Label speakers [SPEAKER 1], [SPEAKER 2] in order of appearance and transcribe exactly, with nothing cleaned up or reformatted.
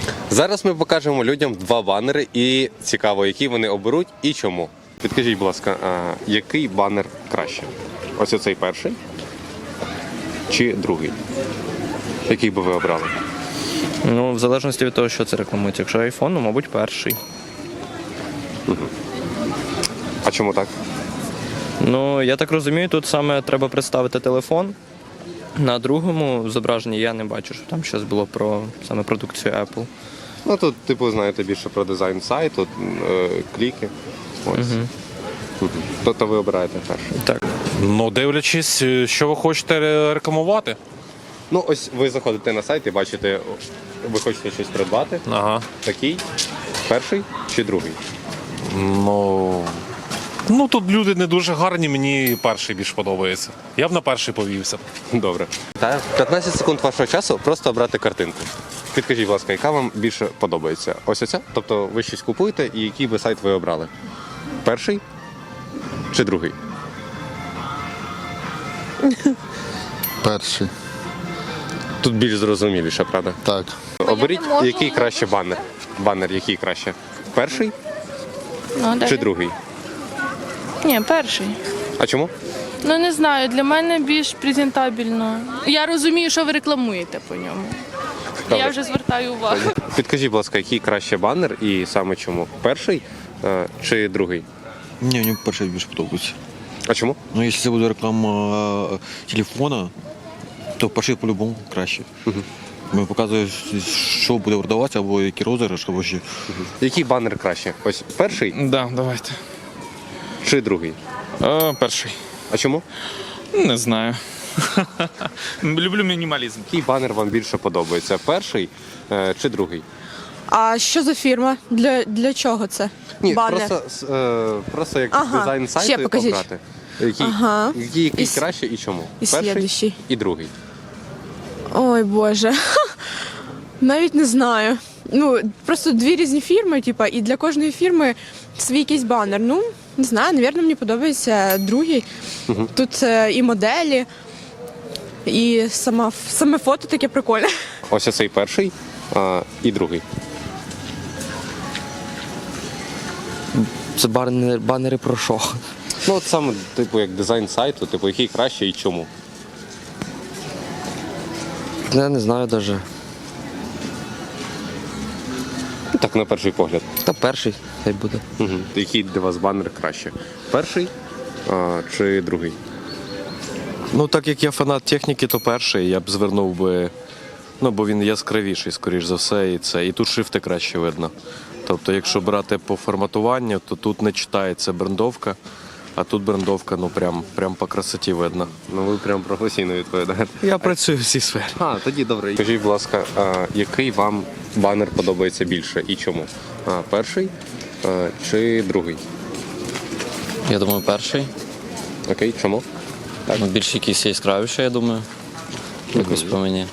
[SPEAKER 1] Зараз ми покажемо людям два банери і цікаво, які вони оберуть і чому. Підкажіть, будь ласка, а який банер краще? Ось оцей перший чи другий? Який би ви обрали?
[SPEAKER 2] Ну, в залежності від того, що це рекламується. Якщо iPhone, ну, мабуть, перший.
[SPEAKER 1] А чому так?
[SPEAKER 2] Ну, я так розумію, тут саме треба представити телефон. На другому зображенні я не бачу, що там щось було про саме продукцію Apple.
[SPEAKER 1] Ну тут, типу, знаєте більше про дизайн сайту, е, кліки. Ось. Угу. Тобто ви обираєте перший.
[SPEAKER 2] Так.
[SPEAKER 3] Ну, дивлячись, що ви хочете рекламувати.
[SPEAKER 1] Ну, ось ви заходите на сайт і бачите, ви хочете щось придбати.
[SPEAKER 3] Ага.
[SPEAKER 1] Такий, перший чи другий?
[SPEAKER 3] Ну, ну тут люди не дуже гарні, мені перший більш подобається. Я б на перший повівся.
[SPEAKER 1] Добре. Та п'ятнадцять секунд вашого часу просто обрати картинку. Підкажіть, будь ласка, яка вам більше подобається? Ось оця? Тобто ви щось купуєте і який би сайт ви обрали? Перший чи другий?
[SPEAKER 4] Перший.
[SPEAKER 1] Тут більш зрозуміліше, правда?
[SPEAKER 4] Так.
[SPEAKER 1] Оберіть,
[SPEAKER 5] не можу.
[SPEAKER 1] який краще банер. Банер який краще? Перший
[SPEAKER 5] Ну, далі.
[SPEAKER 1] чи другий?
[SPEAKER 5] Ні, перший.
[SPEAKER 1] А чому?
[SPEAKER 5] Ну не знаю, для мене більш презентабельно. Я розумію, що ви рекламуєте по ньому.
[SPEAKER 1] Добре.
[SPEAKER 5] Я вже звертаю увагу.
[SPEAKER 1] Підкажіть, будь ласка, який краще банер і саме чому? Перший е, чи другий?
[SPEAKER 6] Ні, мені перший більше подобається.
[SPEAKER 1] А чому?
[SPEAKER 6] Ну, якщо це буде реклама е, телефона, то перший по-любому краще. Угу. Показує, що буде продаватися, або який розіграш, або ще.
[SPEAKER 1] Який банер краще? Ось перший
[SPEAKER 7] Да, давайте.
[SPEAKER 1] чи другий?
[SPEAKER 7] О, перший.
[SPEAKER 1] А чому?
[SPEAKER 7] Не знаю. Люблю мінімалізм.
[SPEAKER 1] Який банер вам більше подобається? Перший е, чи другий?
[SPEAKER 8] А що за фірма? Для, для чого це?
[SPEAKER 1] Ні,
[SPEAKER 8] Банер.
[SPEAKER 1] просто, с- е, просто як
[SPEAKER 8] Ага,
[SPEAKER 1] дизайн
[SPEAKER 8] ще
[SPEAKER 1] сайту
[SPEAKER 8] покажіть.
[SPEAKER 1] обрати. Який,
[SPEAKER 8] Ага.
[SPEAKER 1] який, який
[SPEAKER 8] І с-
[SPEAKER 1] краще і чому?
[SPEAKER 8] і слідуючий.
[SPEAKER 1] і другий.
[SPEAKER 8] Ой, Боже. Навіть не знаю. Ну, просто дві різні фірми, типа, і для кожної фірми свій якийсь банер. Ну, не знаю, навірно, мені подобається другий.
[SPEAKER 1] Угу.
[SPEAKER 8] Тут е, і моделі, і сама, саме фото таке прикольне.
[SPEAKER 1] Ось оцей перший е, і другий.
[SPEAKER 2] Це банери, банери про що?
[SPEAKER 1] Ну, от саме, типу, як дизайн сайту, типу, який краще і чому?
[SPEAKER 2] Я не знаю навіть.
[SPEAKER 1] Ну, так, на перший погляд.
[SPEAKER 2] Та перший хай буде.
[SPEAKER 1] Угу. Який для вас банер краще? Перший е, чи другий?
[SPEAKER 9] Ну, так як я фанат техніки, то перший я б звернув би, ну, бо він яскравіший, скоріш за все, і це. І тут шрифти краще видно. Тобто, якщо брати по форматуванню, то тут не читається брендовка, а тут брендовка, ну, прям, прям по красоті видно.
[SPEAKER 1] Ну, ви прям професійно відповідаєте.
[SPEAKER 9] Я працюю в цій сфері.
[SPEAKER 1] А, тоді добре. Скажіть, будь ласка, а, який вам банер подобається більше і чому? А, перший а, чи другий?
[SPEAKER 10] Я думаю, перший.
[SPEAKER 1] Окей, чому?
[SPEAKER 10] Ну, більш якийсь яскравіший, я думаю. Якось по мені.